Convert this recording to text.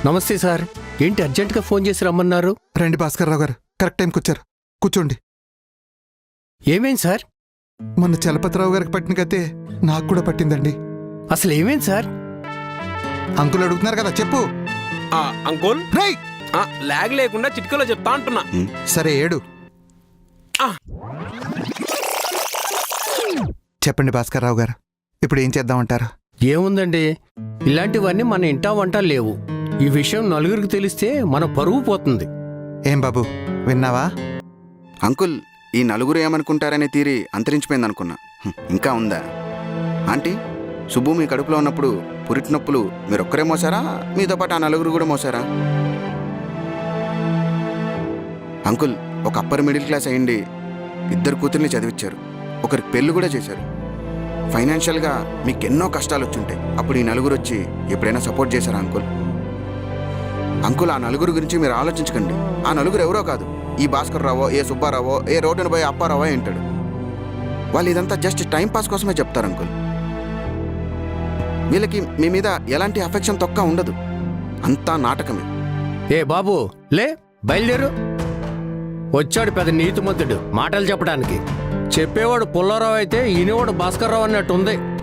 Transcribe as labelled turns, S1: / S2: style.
S1: నమస్తే సార్. ఏంటి అర్జెంటుగా ఫోన్ చేసి రమ్మన్నారు?
S2: రండి భాస్కర్రావు గారు, కరెక్ట్ టైంకి వచ్చారు. కూర్చోండి.
S1: ఏమేం సార్?
S2: మొన్న చలపతిరావు గారికి పట్టిన గతే నాకు కూడా పట్టిందండి.
S1: అసలు ఏమేం సార్?
S2: అంకుల్ అడుగుతున్నారు కదా, చెప్పు.
S3: అంకుల్
S2: రై
S3: లాగ్ లేకుండా చిటికలో చెప్తా అంటున్నా.
S2: సరే ఏడు. చెప్పండి భాస్కర్రావు గారు, ఇప్పుడు ఏం చేద్దామంటారు?
S1: ఏముందండి, ఇలాంటివన్నీ మన ఇంటా వంట లేవు. ఈ విషయం నలుగురికి తెలిస్తే మన పరువు పోతుంది.
S2: ఏం బాబు, విన్నావా?
S4: అంకుల్, ఈ నలుగురు ఏమనుకుంటారనే తీరి అంతరించిపోయిందనుకున్నా. ఇంకా ఉందా? ఆంటీ, సుబ్బు మీ కడుపులో ఉన్నప్పుడు పురిటి నొప్పులు మీరొక్కరే మోసారా, మీతో పాటు ఆ నలుగురు కూడా మోసారా? అంకుల్, ఒక అప్పర్ మిడిల్ క్లాస్ అయ్యిండి 2 కూతుర్ని చదివించారు, ఒకరికి పెళ్ళి కూడా చేశారు. ఫైనాన్షియల్గా మీకు ఎన్నో కష్టాలు వచ్చుంటాయి. అప్పుడు ఈ నలుగురు వచ్చి ఎప్పుడైనా సపోర్ట్ చేశారా అంకుల్? అంకుల్, ఆ నలుగురు గురించి మీరు ఆలోచించకండి. ఆ నలుగురు ఎవరో కాదు, ఈ భాస్కర్రావో, ఏ సుబ్బారావో, ఏ రోడ్డును పోయి అప్పారావో ఏంటాడు. వాళ్ళు ఇదంతా జస్ట్ టైం పాస్ కోసమే చెప్తారు అంకుల్. వీళ్ళకి మీ మీద ఎలాంటి అఫెక్షన్ తొక్క ఉండదు, అంతా నాటకమే.
S1: ఏ బాబు, లే బయలుదేరు. వచ్చాడు పెద్ద నీతిమంతుడు మాటలు చెప్పడానికి. చెప్పేవాడు పుల్లారావు అయితే ఈయనవాడు భాస్కర్రావు అన్నట్టుంది.